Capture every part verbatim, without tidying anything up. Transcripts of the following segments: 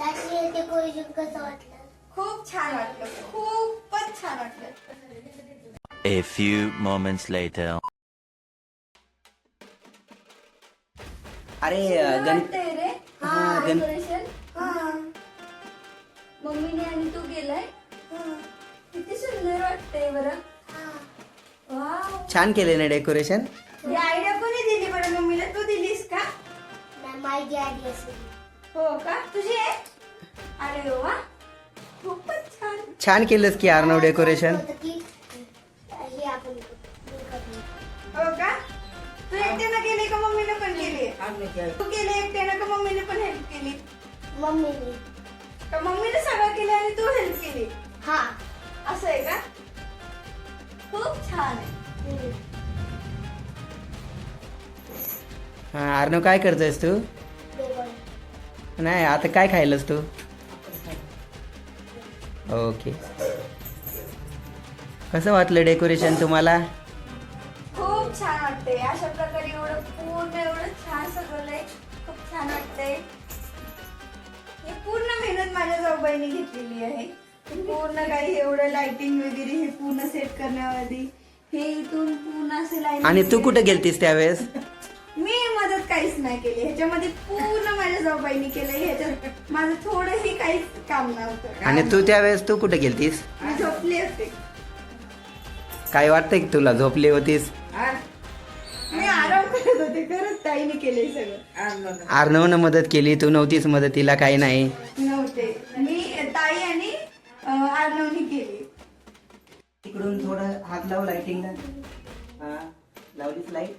Decoration कसं वाटलं? खूप छान वाटलं, खूपच छान वाटलं. A few moments later. अरे सुंदर गण वाटतंय रे हा गण डेकोरेशन. मम्मीने आणि तू गेलाय. किती सुंदर वाटतंय बरं. वाव, छान केले ना डेकोरेशन. ही आयडिया कोणी दिली बरं? मम्मीला तू दिलीस का? नाही, माझी आधी असेल. हो का, तुझी आहे? अरे वा, खूपच छान. छान केलंस की अर्णव डेकोरेशन. होतं की हे आपण करू. हो का, तू एकट्यानं केली का मम्मीने पण केली? तू केली एकट्यानं का मम्मीने पण हेल्प केली? मम्मीने. का मम्मीने सगळं केलं आणि तू हेल्प केली? हा. असं आहे का? खूप छान आहे. हम्म. हा अर्णव काय करतोयस तू? डेकोरेशन. नाही आता काय खायलस तू? ओके. कसं वाटलं डेकोरेशन तुम्हाला? खूप छान वाटतंय. अशा प्रकारे एवढं पूर्ण एवढं छान सजवलंय. खूप छान वाटतंय. हे पूर्ण मेहनत माझ्या जाऊबाईने घेतलेली आहे. पूर्ण काही एवढं लाइटिंग वगैरे हे पूर्ण सेट करण्याआधी हे इथून पूर्ण असे लाईन. आणि तू कुठे गेलतीस त्यावेळेस? मी मदत काहीच नाही केली ह्याच्यामध्ये. पूर्ण माझ्या जाऊबाईने केलंय. ह्याच्यात माझं थोडंही काहीच काम नव्हतं. आणि तू त्यावेळेस तू कुठे गेलतीस? मी झोपले होते. काय वाटतंय की तुला झोपली होतीस? मी आराम करत होते. खरंच ताईने केलंय सगळं. अर्णवनं मदत केली, तू नव्हतीस मदतीला, काही नाही. नव्हते मी, ताई आणि अं, अर्णवनी केली. तिकडून थोडं हात लाव लाइटिंगला. हा लावलीस लाईट.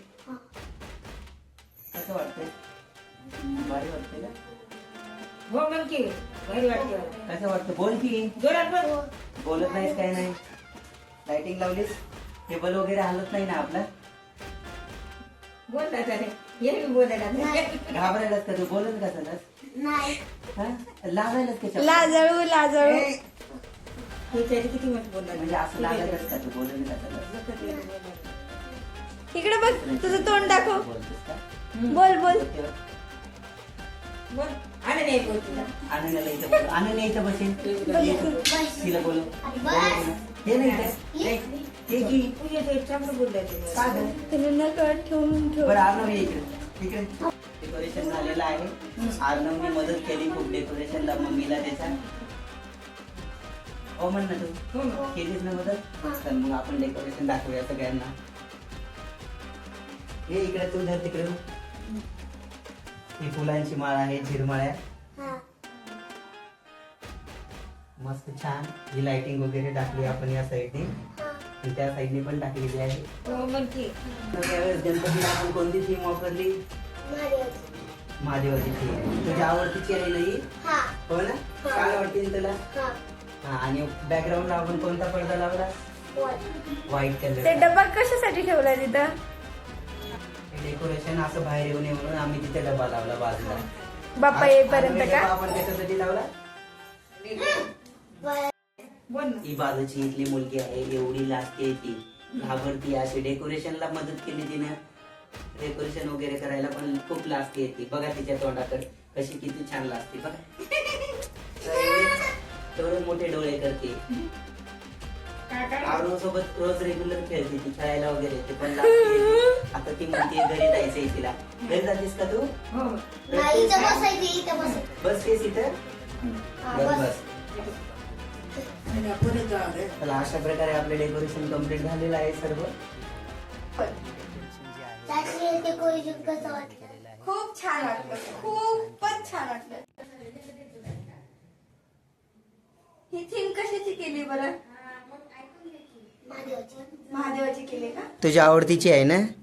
कसं वाटतंय? भारी वाटतंय का? हो म्हण की भारी वाटते. कसं वाटतं? बोल की. जोरात बोल. बोलत नाहीस काय नाही. लाइटिंग लावलीस, टेबल वगैरे हलत नाही ना आपला? बोल ना त्याने ये मी बोलायला. घाबरायलाच का तू? बोलत का सलस? नाही. हा लावायलाच का चप्पल? लाजळू लाजळू. त्याने किती मत बोलला म्हणजे असं लागायलाच का तू? बोलत का सलस? इकडे बघ, तुझं तोंड दाखव. बोलतेस का? बोल बोल. बोल. आणि नाही बोल तुला. आनंदाला इथं बोल. आनंद इथं बसेल. तिला बोलव. बोलव तिला. हे नाही का? हे हे की. तू येते चांगलं बोललाय तुम्ही. का गं? त्याने नकळत ठेवून ठेव. बरं अर्णव ये इकडे. इकडे डेकोरेशन झालेलं आहे. अर्णवने मदत केली खूप डेकोरेशनला, मम्मीला त्याच्या. हो म्हण ना तू. हो ना. केलीस ना मदत? तर मग आपण डेकोरेशन दाखवूया सगळ्यांना. हे इकडे तू धर तिकडे. ही फुलांची माळ आहे, झिरमाळ्या. हा. मस्त छान ही लाइटिंग वगैरे टाकली आपण या साईडने आणि त्या साईडने पण टाकलेली आहे. हो म्हण की. त्यावेळेस गणपतीला आपण कोणती थीम वापरली? महादेवाची. महादेवाची थीम. तुझ्या आवडतीची आहे ना ही? हा. हो ना? काय वाटते तुला? हा. हा आणि बॅकग्राऊंडला आपण कोणता पडदा लावला? वर. व्हाईट ते कलर. डबा कशासाठी ठेवलाय तिथं? डेकोरेशन असं बाहेर येऊ नये म्हणून आम्ही तिथे डबा लावला बाजूला. बाप्पा येईपर्यंत आणि का? डबा आपण कशासाठी लावला? वर. बोल ना. ही बाजूची इथली मुलगी आहे, एवढी लाजते ती, घाबरती. अशी डेकोरेशनला मदत केली तिने. डेकोरेशन वगैरे करायला पण खूप लाजते ती. बघा तिच्या तोंडाकडे कशी किती छान लाजते बघा. तेवढे मोठे डोळे करते. अर्णव सोबत रोज रेग्युलर खेळते ती, खेळायला वगैरे ते पण लागते. आता ती म्हणते घरी जायचंय तिला. घरी जातेस का तू? हो. नाही, इथं बसायची, इथं बसायची. बस केस इथं. हा, बस बस. बस. चला अशा प्रकारे आपले डेकोरेशन कम्प्लीट झालेलं आहे सर्व. त्याची डेकोरेशन कसं वाटलं? खूप छान वाटलं, खूपच छान वाटलं. ही थीम कशाची केली बरं? महादेवाची. महादेवाची केली का? तुझ्या आवडतीची आहे ना?